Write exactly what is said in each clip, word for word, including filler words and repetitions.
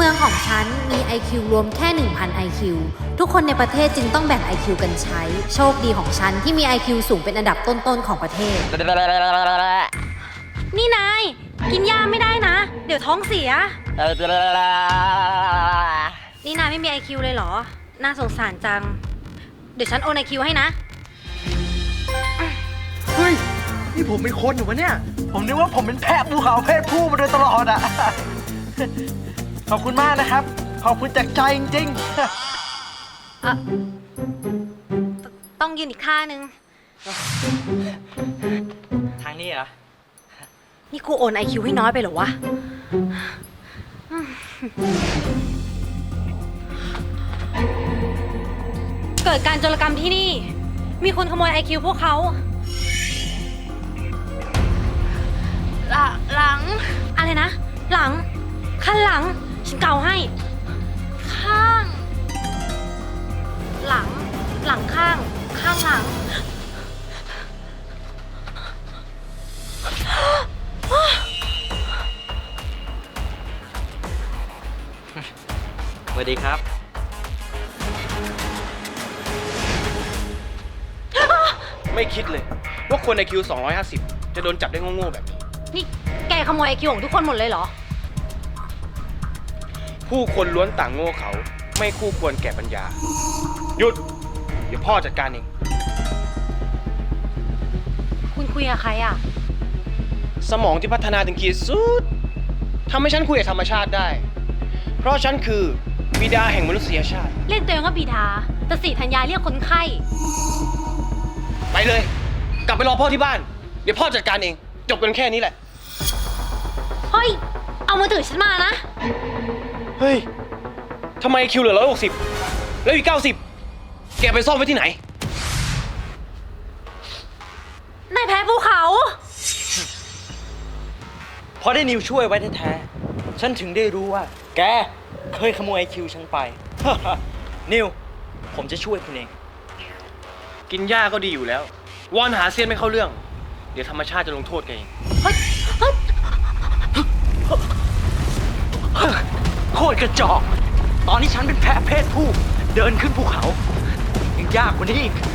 มืองของฉันมี ไอ คิว รวมแค่ หนึ่งพัน ไอ คิว ทุกคนในประเทศจึงต้องแบ่ง ไอ คิว กันใช้ โชคดีของฉันที่มี ไอ คิว สูงเป็นอันดับต้นๆของประเทศนี่นายกินยาไม่ได้นะ เดี๋ยวท้องเสีย นี่นายไม่มี ไอ คิว เลยเหรอ น่าสงสารจัง เดี๋ยวฉันโอน ไอ คิว ให้นะเฮ้ย นี่ผมเป็นคนอยู่วะเนี่ย ผมนึกว่าผมเป็นแพะภูเขาเพศผู้มาโดยตลอดอ่ะ ขอบคุณมากนะครับ ขอบคุณจากใจจริงๆอ่ะ ต้องยืนอีกข้างนึงทางนี้เหรอนี่กูโอน ไอ คิว ให้น้อยไปเหรอวะ เกิดการโจรกรรมที่นี่ มีคนขโมย ไอ คิว พวกเขาหลังหลัง อะไรนะ หลัง ข้างหลัง ฉันเกาให้ ข้าง หลัง หลังข้าง ข้างหลังสวัสดีครับไม่คิดเลยว่าคนในคิวสองร้อยห้าสิบจะโดนจับได้โง่ๆแบบนี้นี่แกขโมย ไอ คิว ของทุกคนหมดเลยเหรอผู้คนล้วนต่างโง่เขาไม่คู่ควรแก่ปัญญา หยุด เดี๋ยวพ่อจัดการเองคุณคุยกับใครอ่ะสมองที่พัฒนาถึงขีดสุดทำให้ฉันคุยกับธรรมชาติได้ เพราะฉันคือบิดาแห่งมนุษยชาติเรียกตัวเองว่าบิดาแต่สิธัญญาเรียกคนไข้ไปเลย กลับไปรอพ่อที่บ้าน เดี๋ยวพ่อจัดการเอง จบกันแค่นี้แหละเฮ้ย เอามือถือฉันมานะเฮ้ยทำไมคิวเหลือร้อยหกสิบแล้วอีกเก้าสิบแกไปซ่อนไว้ที่ไหนนายแพ้ภูเขาพอได้นิวช่วยไว้แท้ๆ ฉันถึงได้รู้ว่า แกเคยขโมยไอคิวฉันไป นิว ผมจะช่วยคุณเองกินหญ้าก็ดีอยู่แล้ว วอนหาเซียนไม่เข้าเรื่อง เดี๋ยวธรรมชาติจะลงโทษแกเองเฮ้ย เฮ้ยโคตรกระจอก ตอนนี้ฉันเป็นแพะเพศผู้ เดินขึ้นภูเขายังยากกว่านี้อีก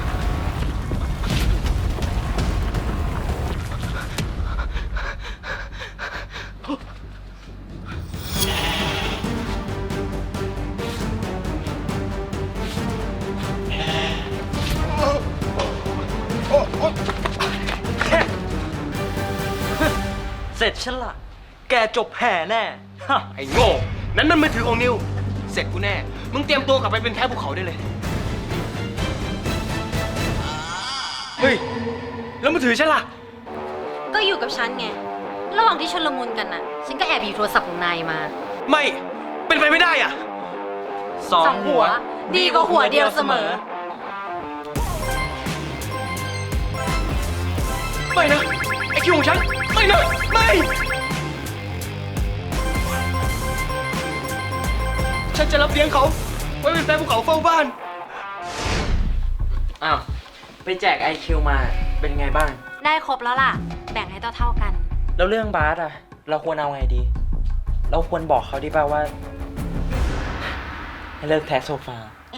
เสร็จฉันละแกจบแห่แน่ไอ้โง่ นั้นมันมือถือของนิว เสร็จกูแน่ มึงเตรียมตัวกลับไปเป็นแพ้ภูเขาได้เลย เฮ้ย แล้วมือถือฉันล่ะก็อยู่กับฉันไง ระหว่างที่ชนลมุนกันน่ะ ฉันก็แอบหยิบโทรศัพท์ของนายมาไม่ เป็นไปไม่ได้อ่ะสองหัวดีกว่าหัวเดียวเสมอไม่นะ ไอ้คิวของฉัน ไม่นะ ไม่ ฉันจะรับเลี้ยงเขา ไว้เป็นแฟนภูเขาเฝ้าบ้านอ้าว ไปแจก ไอ คิว มา เป็นไงบ้างได้ครบแล้วล่ะ แบ่งให้เท่าๆกันแล้วเรื่องบาสอะเราควรเอาไงดี เราควรบอกเขาดีป่าวว่า ให้เลิกแทะโซฟา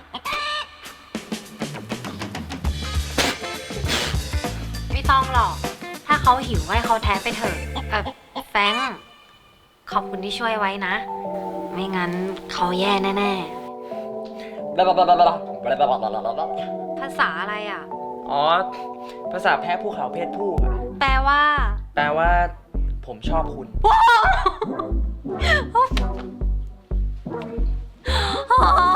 ไม่ต้องหรอก ถ้าเขาหิวให้เขาแท้ไปเถอะเออแฟรงค์ขอบคุณที่ช่วยไว้นะ ไม่งั้นเขาแย่แน่ๆ ภาษาอะไรอ่ะอ๋อ ภาษาแพ้ภูเขาเพศผู้อะแปลว่าแปลว่า ผมชอบคุณอ๋อ